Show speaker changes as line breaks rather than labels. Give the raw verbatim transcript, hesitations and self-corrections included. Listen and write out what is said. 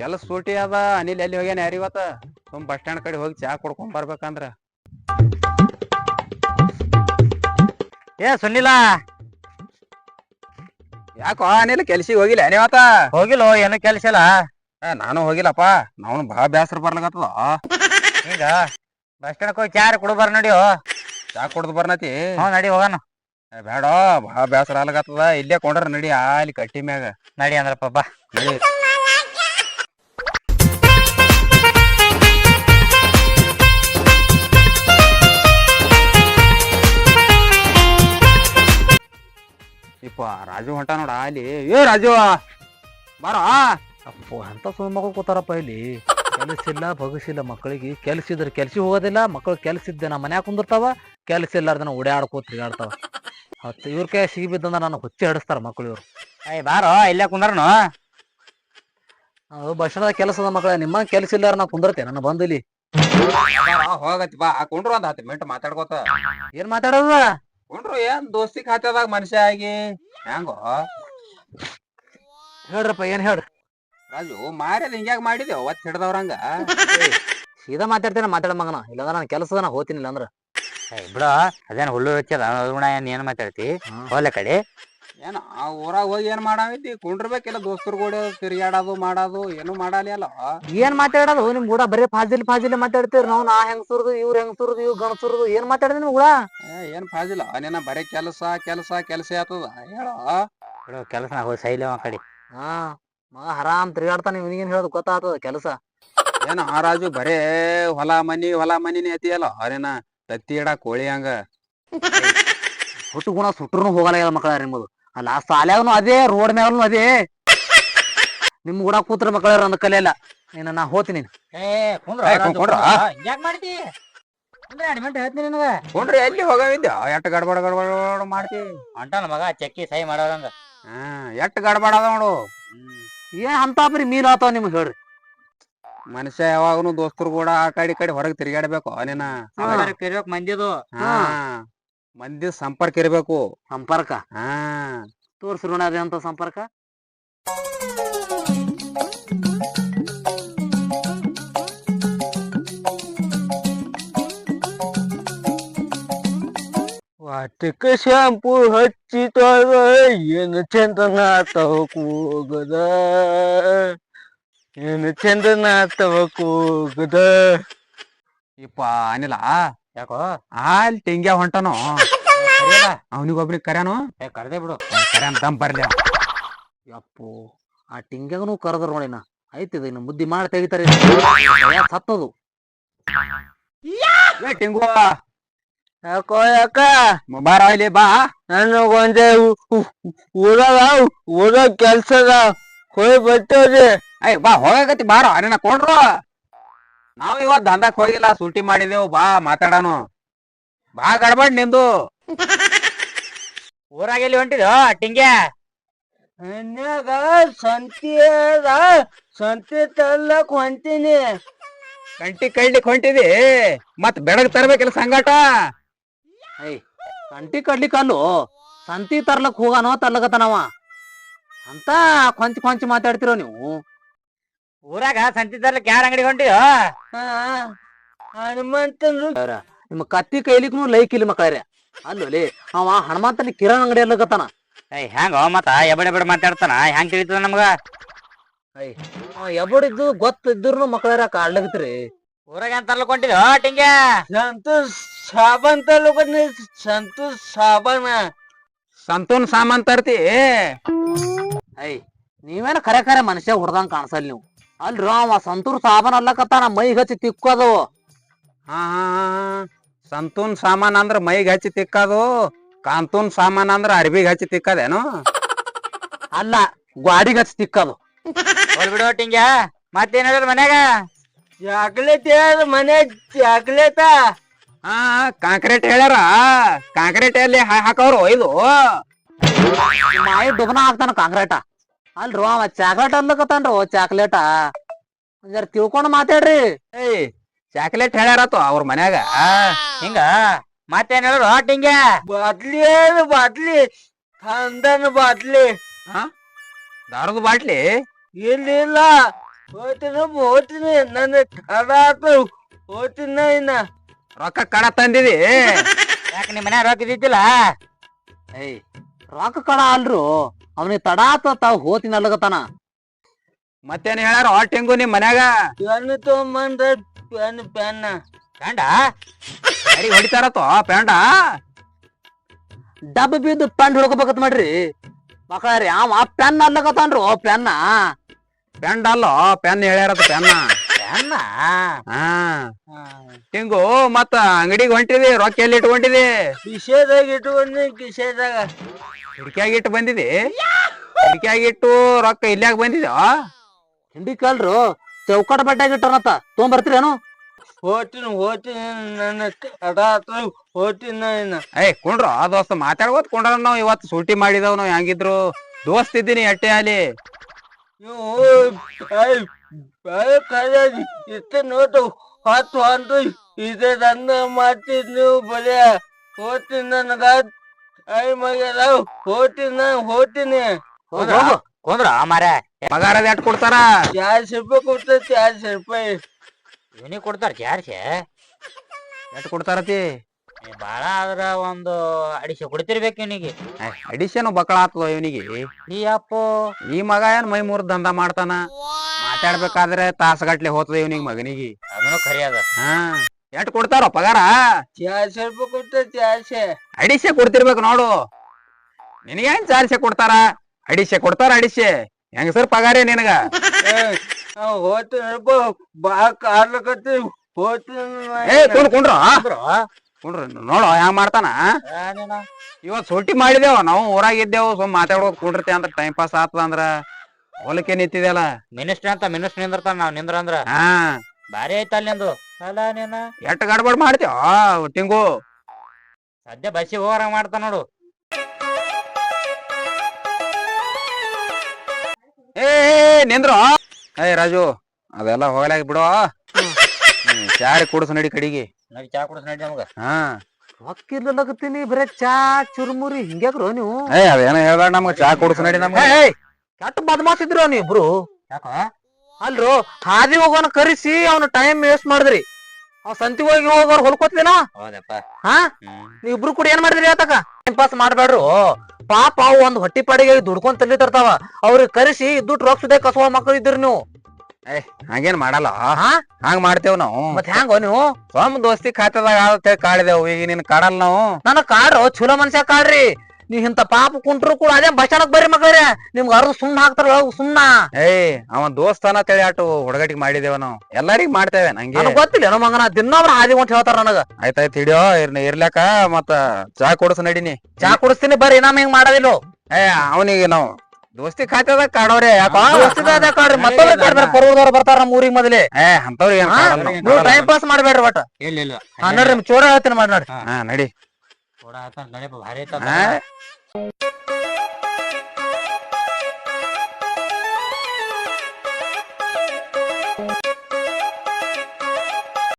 ಕೆಲಸ ಸೂಟಿ ಅದ ಅನಿಲ್ ಎಲ್ಲಿ ಹೋಗ್ಯಾನ ಯಾರ ಇವತ್ತ ಸುಮ್ ಬಸ್ ಸ್ಟ್ಯಾಂಡ್ ಕಡೆ ಹೋಗಿ ಚಾ ಕುಡ್ಕೊಂಡ್ ಬರ್ಬೇಕಂದ್ರ
ಏ ಸುನಿಲ
ಯಾಕೋ ಅನಿಲ್ ಕೆಲ್ಸಿಗೆ ಹೋಗಿಲ್ಲ ನೀವತ್ತ
ಹೋಗಿಲ್ಲ ಏನು ಕೆಲ್ಸ ಇಲ್ಲ.
ನಾನು ಹೋಗಿಲ್ಲಪ್ಪ ನಾವ್ ಬಾಳ ಬ್ಯಾಸರ ಬರ್ಲಾಗತ್ತದ
ಈಗ ಬಸ್ ಸ್ಟ್ಯಾಂಡ್ ಹೋಗಿ ಚಾರ ಕುಡು ಬರ್ ನಡಿಯೋ.
ಚಾ ಕುಡ್ದು ಬರ್ನತಿ
ಹ್ಞೂ ನಡಿ ಹೋಗೋಣ.
ಬೇಡ ಬಾಳ ಬ್ಯಾಸರ ಆಗ್ಲಾಗತ್ತದ ಇಲ್ಲೇ ಕೊಂಡ್ರ ನಡಿ ಅಲ್ಲಿ ಕಟ್ಟಿ ಮ್ಯಾಗ
ನಡಿ ಅಂದ್ರಪ್ಪ ಬಾ.
ನಡಿ. ಇಪ್ಪ ರಾಜು ಹೊಂಟ ನೋಡ ಅಲ್ಲಿ ಏ ರಾಜು ಬಾರ
ಅಪ್ಪು ಅಂತ ಸುಳ್ಳು ಮಕ್ಕಳು ಕೂತಾರಪ್ಪ ಇಲ್ಲಿ. ಕೆಲಸ ಇಲ್ಲ ಬಗಸಿಲ್ಲ ಮಕ್ಕಳಿಗೆ. ಕೆಲ್ಸ ಇದ್ರೆ ಕೆಲ್ಸ ಹೋಗೋದಿಲ್ಲ, ಮಕ್ಕಳು ಕೆಲ್ಸ ಇದ್ದೆ ನಮ್ಮ ಮನ್ಯಾಗ ಕುಂದಿರ್ತಾವ, ಕೆಲ್ಸ ಇಲ್ಲಾರ್ದನ ಓಡಾಡ್ಕೋತ ತಿರ್ಗಾಡ್ತಾವ. ಹತ್ತು ಇವ್ರ ಕೈ ಸಿಗಿ ಬಿದ್ದಂದ್ರ ನಾನು ಹುಚ್ಚಿ ಹಿಡಿಸ್ತಾರ ಮಕ್ಕಳು ಇವ್ರು.
ಅಯ್ಯ ಬಾರೋ ಇಲ್ಲೇ ಕುಂದ್ರನು.
ನಾವು ಬಸ್ ಸ್ಟ್ಯಾಂಡ್ ಕೆಲಸದ ಮಕ್ಕಳ ನಿಮ್ಮ ಕೆಲ್ಸ ಇಲ್ಲಾರ ನಾ ಕುಂದಿರ್ತೇನೆ ನನ್ನ ಬಂದು ಇಲ್ಲಿ.
ಹೋಗತಿ ಬಾ ಕೊಂಡ್ರು ಒಂದ್ ಹತ್ತು ಮಿನಿಟ್ ಮಾತಾಡ್ಕೋತ
ಏನ್ ಮಾತಾಡೋದ
ಕೊಂಡ್ರು ಏನ್ ದೋಸ್ತಿ ಖಾತೆದಾಗ ಮನುಷ್ಯ ಆಗಿ ಹೆಂಗೋ
ಹೇಳ್ರಪ್ಪ ಏನ್ ಹೇಳ್ರಿ.
ರಾಜು ಮಾರ್ಯದ ಹಿಂಗ್ಯಾಗ ಮಾಡಿದೇವ ಒತ್ ಹಿಡ್ದವ್ರಂಗ
ಸೀದಾ ಮಾತಾಡ್ತೇನೆ ಮಾತಾಡ ಮಗನ. ಇಲ್ಲಾಂದ್ರ ನಾನು ಕೆಲಸದ ನಾ ಹೋಗ್ತೀನಿ ಇಲ್ಲಾಂದ್ರ
ಬಿಡ ಅದೇನ್ ಹುಲ್ಲು ಹಚ್ಚದ ಗುಣ ಏನ್ ಏನ್ ಮಾತಾಡ್ತಿ ಹೋಗ್ಲೆ ಕಡೆ.
ಏನ ಆ ಊರಾಗ ಹೋಗಿ ಏನ್ ಮಾಡಾವಿದ್ದಿ ಕುಂಡ್ರಬೇಕಿಲ್ಲ ದೋಸ್ತರು ಕೂಡ ತಿರ್ಗಾಡೋದು ಮಾಡೋದು ಏನು ಮಾಡಲಿ ಅಲ್ಲ
ಏನ್ ಮಾತಾಡೋದು ನಿಮ್ ಕೂಡ ಬರೀ ಫಾಜಿಲ್ ಫಾಜಿಲ್ ಮಾತಾಡ್ತೀರಿ. ನಾವು ನಾ ಹೆಂಗ್ ಸುರ್ದು ಇವ್ರ ಹೆಂಗ್ ಸುರ್ದು ಇವ್ ಗಣ ಸುರ್ದು ಏನ್ ಮಾತಾಡಿದ್ರಿ ನಿಮ್ ಕೂಡ?
ಏನ್ ಫಾಜಿಲ್ಲ ನಿನ್ನ ಬರೀ ಕೆಲಸ ಕೆಲಸ ಕೆಲಸ ಆತದ ಹೇಳೋ
ಬಿಡು ಕೆಲಸ ಹೋಗಿ ಸೈಲ ಆ ಕಡೆ.
ಹಾ ಮಗ ಹರಾಮ್ ತಿರ್ಗಾಡ್ತಾನೆ. ಇವನಿಗೇನ್ ಹೇಳೋದು ಗೊತ್ತಾಗ್ತದ ಕೆಲಸ.
ಏನ ಆ ರಾಜು ಬರೇ ಹೊಲ ಮನಿ ಹೊಲ ಮನಿನೇ ಐತಿಯಲ್ಲ ಅರೇನ ತತ್ತಿ ಇಡ ಕೋಳಿ ಹಂಗ
ಹುಟ್ಟು ಗುಣ ಸುಟ್ರು ಹೋಗಲ್ಲ ಮಕ್ಕಳ ನಿಮ್ಮದು. ಅಲ್ಲ ಆ ಸಾಲ್ಯಾಗನು ಅದೇ ರೋಡ್ ಮ್ಯಾಗನು ಅದೇ. ನಿಮ್ ಕೂಡ ಕೂತ್ರ ಮಕ್ಕಳ ಅಂದ ಕಲಿಯಲ್ಲ. ನೀನ ನಾ ಹೋತೀನಿ.
ಏ ಕುಂದ್ರ
ಏ, ಕುಂದ್ರ.
ಯಾಕೆ ಮಾಡ್ತಿ ಅಂದ್ರೆ ಎರಡು ಮಿನಿಟ್ ಹೇಳ್ತೀನಿ ನಿನಗೆ.
ಕೊಂಡ್ರಿ ಎಲ್ಲಿ ಹೋಗವಿದ್ದ ಎಟ್ ಗಡ್ಬಡ ಗಡ್ಬಡ ಮಾಡ್ತಿ
ಹೊಂಟಾನ ಮಗ ಚಕ್ಕಿ ಸಹಿ ಮಾಡೋದಂಗ.
ಹಾ ಎಟ್ ಗಡ್ಬಡ ಅದ ನೋಡು.
ಏನ್ ಅಂತ ಬರೀ ಮೀಲ್ ಆತಾವ ನಿಮ್ಗೆ ಹೇಳ್ರಿ.
ಮನುಷ್ಯ ಯಾವಾಗನು ದೋಸ್ತರು ಕೂಡ ಆ ಕಡೆ ಈ ಕಡೆ ಹೊರಗೆ ತಿರ್ಗಾಡ್ಬೇಕು ನೀನ
ಕರಿಬೇಕು ಮಂದಿದು.
ಹಾ ಮಂದಿ ಸಂಪರ್ಕ ಇರ್ಬೇಕು.
ಸಂಪರ್ಕ
ಹಾ
ತೋರ್ಸ್ರು ಅದೇ ಅಂತ ಸಂಪರ್ಕ.
ವಾಟಕ ಶಾಂಪು ಹಚ್ಚಿತಾರ ಏನು ಚಂದನ ತವ ಕೂಗದ ಏನು ಚಂದನ ತವ ಕೂಗದ.
ಇಪ್ಪ ಅನಿಲ
ಯಾಕೋ
ಅಲ್ಲಿ ತೆಂಗ್ಯ ಹೊಂಟನು ಅವನಿಗೊಬ್ನಿಗೆ ಕರ್ಯಾನು
ಏ ಕರ್ದೆ ಬಿಡು.
ಕರ್ಯಾನ್ ದಮ್ ಬರ್ಲಿ ಅವ.
ಯಪ್ಪು ಆ ಟಿಂಗ್ಯಾಗನು ಕರೆದ್ರ ನೋಡಿನ ಐತಿದ ಇನ್ನು ಮುದ್ದಿ ಮಾಡಿ ತೆಗಿತಾರೆ ಸತ್ತದು.
ಏ ಟಿಂಗು
ಯಾಕೋ ಯಾಕ
ಬಾರ ಇಲ್ಲಿ ಬಾ.
ನನಗೊಂದೇ ಊರಾಗ ಊರಾಗ ಕೆಲ್ಸದ ಹೋಗಿ ಬರ್ತೇವ್ರಿ.
ಅಯ್ಯ ಬಾ ಹೋಗಕತಿ ಬಾರ ನಿನ್ನ ಕೊಂಡ್ರು ನಾವ್ ಇವತ್ ದಂಧಕ್ ಹೋಗಿಲ್ಲ ಸೂಟಿ ಮಾಡಿದೇವು ಬಾ ಮಾತಾಡಾನು ಬಾ ಗಡ್ಬಡ್ ನಿಂದು.
ಊರಾಗ ಎಲ್ಲಿ ಹೊಂಟಿದ್ಯೋ ಟಿಂಗ್ಯ?
ಮನ್ಯಾಗ ಸಂತಿ ಅದ ಸಂತಿ ತರ್ಲಕ್ ಹೊಂತೀನಿ.
ಕಂಟಿ ಕಡ್ಲಿಕ್ ಹೊಂಟಿದಿ ಮತ್ ಬೆಳಗ್ ತರ್ಬೇಕಿಲ್ಲ ಸಂಗಾಟ.
ಐ ಕಂಟಿ ಕಡ್ಲಿಕ್ ಅಲ್ಲು ಸಂತಿ ತರ್ಲಕ್ ಹೋಗಾನೋ ತರ್ಲಕತ್ತಾನವ ಅಂತ ಕೊಂಚ ಕೊಂಚ ಮಾತಾಡ್ತಿರೋ ನೀವು.
ಊರಾಗ ಸಂತಿ ತರ್ಲಿಕ್ಕೆ ಯಾರ ಅಂಗಡಿ ಹೊಂಟಿದ್ಯೋ?
ಹನುಮಂತನ್ರು
ನಿಮ್ಮ ಕತ್ತಿ ಕೈಲಿಕ್ನು ಲೈಕ್ ಇಲ್ಲಿ ಮಕ್ಕಳ್ರೆ. ಅಲ್ಲೋಲಿ ಅವ ಹನುಮಂತನ ಕಿರಾಣ್ ಅಂಗಡಿ ಅಲ್ಲಕತ್ತಾನ.
ಏಯ್ ಹೆಂಗ ಮತ್ತ ಎಬಡ ಎಬಡ ಮಾತಾಡ್ತಾನ ಹೆಂಗ್ ತಿಳಿತದ ನಮ್ಗ?
ಐ ಎಬಡಿದ್ದು ಗೊತ್ತಿದ್ರು ಮಕ್ಕಳ್ರ ಕಾಡ್ಲಕತ್ರಿ.
ಊರಾಗ ಏನ್ ತರ್ಲಕ್ ಹೊಂಟಿದ್ಯೋ ಟಿಂಗ್ಯ?
ಸಂತೋಷ್ ಸಾಬನ್ ತರ್ಲಕ್ ಸಂತೋಷ್ ಸಾಬನ
ಸಂತೂನ್ ಸಾಮಾನ್ ತರ್ತಿ.
ಐ ನೀವೇನ ಖರೆ ಖರೆ ಮನುಷ್ಯ ಹೊಡ್ದಂಗ ಕಾಣಿಸಲ್ ನೀವು. ಅಲ್ರಿ ಅವ ಸಂತೂರ್ ಸಾಬನ್ ಅಲ್ಲಕತ್ತಾನ ಮೈಗ್ ಹಚ್ಚಿ ತಿಕ್ಕೋದು.
ಹಾ ಹಾ ಸಂತೂನ್ ಸಾಮಾನ್ ಅಂದ್ರ ಮೈಗ್ ಹಚ್ಚಿ ತಿಕ್ಕದು, ಕಾಂತೂನ್ ಸಾಮಾನ್ ಅಂದ್ರ ಅರ್ಬಿಗ್ ಹಚ್ಚಿ ತಿಕ್ಕದೇನು?
ಅಲ್ಲ ಗ್ವಾಡಿಗ್ ಹಚ್ಚಿ ತಿಕ್ಕದು.
ಹೋಲ್ ಬಿಡೋ ಟಿಂಗ್ಯ ಮತ್ತೇನ್ ಹೇಳಿದ್ರ ಮನ್ಯಾಗ?
ಚಾಕ್ಲೇಟ್ ಯಾರ ಮನೆ ಚಾಕ್ಲೇಟ
ಹಾ ಕಾಂಕ್ರೀಟ್ ಹೇಳ್ಯಾರ. ಕಾಂಕ್ರೀಟ್ ಎಲ್ಲಿ ಹಾಕವ್ರು ಇದು
ಮಾಯಿ ಡುಬನ ಹಾಕ್ತಾನ ಕಾಂಕ್ರೇಟ. ಅಲ್ರಿ ಅವ ಚಾಕ್ಲೇಟ್ ಅನ್ಲಕತ್ತಾನ್ರಿ ಚಾಕ್ಲೇಟ. ಜರ ತಿಳ್ಕೊಂಡ್ ಮಾತಾಡ್ರಿ.
ಏಯ್ ಚಾಕ್ಲೇಟ್ ಹೇಳ್ಯಾರತ್ತು ಅವ್ರ ಮನ್ಯಾಗ.
ಹಿಂಗ ಮತ್ತೇನ್ ಹೇಳಿದ್ರು ಟಿಂಗ್ಯ?
ಬಾಟ್ಲಿ ಏನು ಬಾಟ್ಲಿ ಥಂದನ್ ಬಾಟ್ಲಿ
ಹಾ ದಾರದ ಬಾಟ್ಲಿ
ಇಲ್ಲ ಇಲ್ಲ ಹೋಗ್ತೀನಿ ಹೋಗ್ತೀನಿ ನನ್ನ ತಡ ಆತು ಹೋಗ್ತೀನಿ ನಾ ಇನ್ನ
ರೊಕ್ಕ ಕಡ ತಂದಿದಿ
ಯಾಕೆ ನಿಮ್ಮ ಮನ್ಯಾಗ ರೊಕ್ಕ ಇದ್ದಿದ್ದಿಲ್ಲ
ಏಯ್ ರೊಕ್ಕ ಕಡ ಅಲ್ರು ಅವನಿಗೆ ತಡ ಆತ ತಾವ್ ಹೋತಿನ ಅಲ್ಲಗತಾನ.
ಮತ್ತೇನ್ ಹೇಳ್ಯಾರ ಹೊಟ್ಟಿಂಗು ನಿಮ್ ಮನ್ಯಾಗ
ಪೆನ್ ತಗೊಂಬಂದ್ರ ಪೆನ್ ಪೆನ್ನ
ಗಂಡ
ಯಾರಿಗ್ ಹೊಡಿತಾರತ್ತೋ ಪೇಂಡ
ಡಬ್ಬ ಬಿದ್ದು ಪೆನ್ ಹಿಡ್ಕೋಬೇಕತ್ ಮಾಡ್ರಿ ಮಕ್ಕಳ್ರಿ ಅವ ಪೆನ್ ಅಲ್ಲಗತಾನ್ರು ಪೆನ್ನ.
ಪೆಂಡ್ ಅಲ್ಲೋ ಪೆನ್ ಹೇಳ್ಯಾರತ್ತ ಪೆನ್ನ.
ಅನ್ನ
ಹಾ ಟಿಂಗು ಮತ್ತ ಅಂಗಡಿಗೆ ಹೊಂಟಿದಿ ರೊಕ್ಕ ಎಲ್ಲಿ ಇಟ್ಕೊಂಡಿದಿ?
ಕಿಶೆದಾಗ ಇಟ್ಕೊಂಡಿ ಕಿಶೆದಾಗ
ಹಿಡ್ಕ್ಯಾಗ ಇಟ್ಟು ಬಂದಿದಿ? ಹಿಡ್ಕ್ಯಾಗ ಇಟ್ಟು ರೊಕ್ಕ ಇಲ್ಯಾಗ ಬಂದಿದ್ಯೋ?
ಹಿಂಡಿ ಕಲ್ರು ಚೌಕಟ ಬಡ್ಡ್ಯಾಗ ಇಟ್ಟನತ್ತ ತೊಗೊಂಬರ್ತೀರೇನು?
ಹೋಗ್ತೀನಿ ಹೋಗ್ತೀನಿ ನನ್ನ ತಡ ಆತು ಹೋಗ್ತೀನಿ ನಾ ಇನ್ನ
ಏಯ್ ಕುಂಡ್ರ ದೋಸ್ತ ಮಾತಾಡ್ಕೋತ ಕುಂಡ್ರ ನಾವ್ ಇವತ್ತು ಸೂಟಿ ಮಾಡಿದವ್ ನಾವ್ ಹೆಂಗಿದ್ರು ದೋಸ್ತ್ ಇದ್ದೀನಿ ಎಟ್ಟೆ ಅಲ್ಲಿ.
ಇಷ್ಟ ನೋಟು ಹತ್ತು ಒಂದು ಇದೇ ದಂದ ಮಾಡ್ತಿದ್ ನೀವು ಬರೀ ಹೋಗ್ತೀನಿ ನನಗ ಐ ಮಗ ಹೋಗ್ತೀನಿ ನಾನು ಹೋಗ್ತೀನಿ
ಕೊಂದ್ರ ಮಾರ
ಪಗಾರದ ಎಟ್ ಕೊಡ್ತಾರ?
ಚಾರ್ಸಿ ರೂಪಾಯಿ ಕೊಡ್ತೇವೆ ಚಾರ್ಸಿ ರೂಪಾಯಿ
ಇವನಿಗೆ ಕೊಡ್ತಾರ ಜಾರ್ಸಿ
ಎಟ್ ಕೊಡ್ತಾರತಿ?
ಬಾಳ ಆದ್ರ ಒಂದು ಅಡಿಸೆ ಕೊಡ್ತಿರ್ಬೇಕು ಇವನಿಗೆ.
ಅಡಿಷನ್ ಬಕ್ಕಳ ಆತದ ಇವನಿಗೆ.
ಈ ಅಪ್ಪು
ಈ ಮಗ ಏನ್ ಮೈ ಮೂರ್ ದಂಧ ಮಾಡ್ತಾನ, ಮಾತಾಡ್ಬೇಕಾದ್ರೆ ತಾಸಗಟ್ಲೆ ಹೋತದ ಇವನಿಗೆ ಮಗನಿಗೆ.
ಅದನ್ನು ಖರಿ ಅದ.
ಹಾ ಎಟ್ ಕೊಡ್ತಾರ ಪಗಾರ?
ಚಾರ್ಸಿ ರೂಪಾಯಿ ಕೊಡ್ತೇವೆ ಚಾರ್ಸಿ
ಅಡಿಸೆ ಕೊಡ್ತಿರ್ಬೇಕು ನೋಡು. ನಿನಗೇನ್ ಚಾರ್ಸೆ ಕೊಡ್ತಾರ? ಅಡಿಸೆ ಕೊಡ್ತಾರ ಅಡಿಸೆ. ಹೆಂಗಸರ್ ಪಗಾರೇ ನಿನಗ?
ಹೋಗ್ತೀನಿ ಬಾ ಕಾರ್ಲಕತ್ತಿ ಹೋಗ್ತೀನಿ
ಏ ಕುಂಡ್ ಕುಂಡ್ರ ಕುಂಡ್ರ ನೋಡು ಹೆಂಗ್ ಮಾಡ್ತಾನ. ಇವತ್ ಸೂಟಿ ಮಾಡಿದೇವ ನಾವು ಊರಾಗ ಇದ್ದೇವು ಸುಮ್ ಮಾತಾಡೋದ್ ಕುಂಡ್ರತಿ ಅಂದ್ರ ಟೈಮ್ ಪಾಸ್ ಆತದ ಅಂದ್ರ ಹೊಲಕ್ಕೆ ನಿಂತಿದೆಲ್ಲ.
ಮಿನಿಸ್ಟ್ರಿ ಅಂತ ಮಿನಿಸ್ಟ್ರಿ ನಿಂದಿರ್ತಾನ ನಾವ್ ನಿಂದ್ರ ಅಂದ್ರ
ಹಾ
ಬಾರಿ ಐತ ಅಲ್ಲಿ ನಿಂದು ಅಲ್ಲ ನೀನ
ಎಟ್ ಗಡ್ಬಡ್ ಮಾಡ್ತೇವ ಟಿಂಗು.
ಸದ್ಯ ಬಸ್ಸಿಗೆ ಹೋಗಾರ ಮಾಡ್ತಾನ ನೋಡು.
ಏ ನಿಂದ್ರು ಏ ರಾಜು ಅದೆಲ್ಲ ಹೋಗ್ಲಾಗ ಬಿಡು. ಚಾರಿ ಕುಡ್ಸ ನಡಿ ಕಡಿಗೆ.
ನಡಿ ಚಾ ಕುಡಿಸ್ ನಡಿ ನಮಗ.
ಹಾ
ರೊಕ್ಕಿರ್ಲಕತ್ತೀನಿ ಬರೇ ಚಾ ಚುರುಮುರಿ ಹಿಂಗ್ಯಾಕ್ರು ನೀವು?
ಏ ಅದೇನ ಹೇಳ್ಬೇಡ ನಮ್ಗ ಚಾ ಕುಡ್ಸ ನಡಿ ನಮ್ಗ.
ಕೆಟ್ಟ ಬದ್ಮಾಸಿದ್ರು ನೀವಿಬ್ರು.
ಯಾಕ
ಅಲ್ರು ಹಾದಿ ಹೋಗೋನ ಕರಿಸಿ ಅವ್ನ ಟೈಮ್ ವೇಸ್ಟ್ ಮಾಡಿದ್ರಿ. ಅವ್ ಸಂತಿ ಹೋಗಿ ಹೋಗೋರ್ ಹೊಲ್ಕೋತ್ಲೇನೋ.
ಹೌದಪ್ಪ.
ಹಾ
ಹ್ಮ್
ನೀವಿಬ್ರು ಕೂಡ ಏನ್ ಮಾಡಿದ್ರಿ ಆತಕ? Time pass ಮಾಡ್ಬೇಡ್ರು. ಪಾಪ ಅವು ಒಂದ್ ಹೊಟ್ಟಿ ಪಾಡಿಗೆ ದುಡ್ಕೊಂಡ್ ತಲ್ಲಿ ತರ್ತಾವ. ಅವ್ರಿಗೆ ಕರಿಸಿ ದುಡ್ಡು ರೊಕ್ಕ ಸುದೇ ಕಸವ ಮಕ್ಕಳು ಇದ್ರಿ ನೀವು.
ಏ ಹಂಗೇನ್ ಮಾಡಲ್ಲ.
ಹಾ
ಹಂಗ ಮಾಡ್ತೇವ್ ನಾವು.
ಮತ್ ಹೆಂಗೋ ನೀವು?
ಸ್ವಾಮ್ ದೋಸ್ತಿ ಖಾತೆದಾಗ ಆದ ಕಾಳಿದೇವು. ಈಗ ನಿನ್ ಕಾಡಲ್ ನಾವು.
ನನಗ್ ಕಾಡ್ರು ಚಲೋ ಮನ್ಸ್ಯ ಕಾಡ್ರಿ. ನೀವ್ ಇಂತ ಪಾಪ ಕುಂಟ್ರು ಕೂಡ ಅದೇ ಬಸ್ ಸ್ಟಾಂಡ್ ಬರ್ರಿ ಮಕ್ಕಳ್ರೆ. ನಿಮ್ಗ ಅರ್ಧ ಸುಣ್ಣ ಹಾಕ್ತಾರ ಸುಣ್ಣ.
ಏಯ್ ಅವನ್ ದೋಸ್ತಾನ ತಳಿ ಆಟು ಹುಡುಗಟಿಗೆ ಮಾಡಿದೇವ ನಾವು. ಎಲ್ಲರಿಗ್ ಮಾಡ್ತೇವೆ ನಂಗೆ
ನನಗ್ ಗೊತ್ತಿಲ್ಲ ಏನೋ ಮಗನ ದಿನೊಬ್ರ ಹಾದಿ ಹೊಂಟ್ ಹೇಳ್ತಾರ ನನಗ.
ಆಯ್ತಾಯ್ತು ಹಿಡಿಯೋ ಇರ್ನ ಇರ್ಲಾಕ ಮತ್ತ ಚಾ ಕುಡ್ಸ ನಡಿನಿ.
ಚಾ ಕುಡಿಸ್ತೀನಿ ಬರ್ರಿ ನಮ್ ಹಿಂಗ್ ಮಾಡೋದಿಲ್ಲ.
ಏ ಅವನಿಗೆ ನಾವು ದೋಸ್ತಿ ಖಾತೆದಾಗ ಕಾಡೋರೆ ಯಾಕೋ
ಕಾಡ್ರಿ ಮತ್ತೊಬ್ರು ಕಾಡ್ಬೇಡ ಪರ್ವದವ್ರು ಬರ್ತಾರ ನಮ್ಮ ಊರಿಗೆ ಮೊದಲೇ.
ಏ ಅಂತವ್ರಿಗೆ ಏನ್ ಕಾಡಲ್ಲ ನಾವು.
ನೀವು ಟೈಮ್ ಪಾಸ್ ಮಾಡ್ಬೇಡ್ರಿ ಒಟ್ಟ.
ಇಲ್ಲ ಇಲ್ಲ
ಹಾ ನೋಡ್ರಿ ನಿಮ್ ಚೋರ ಹೇಳ್ತೀನಿ ಮಾಡಿ ನೋಡ್ರಿ.
ಹಾ ನಡಿ.
ನೋಡ ಆತ ನಡಿಯಪ್ಪ ಭಾರಿ ಐತ.
ಹಾ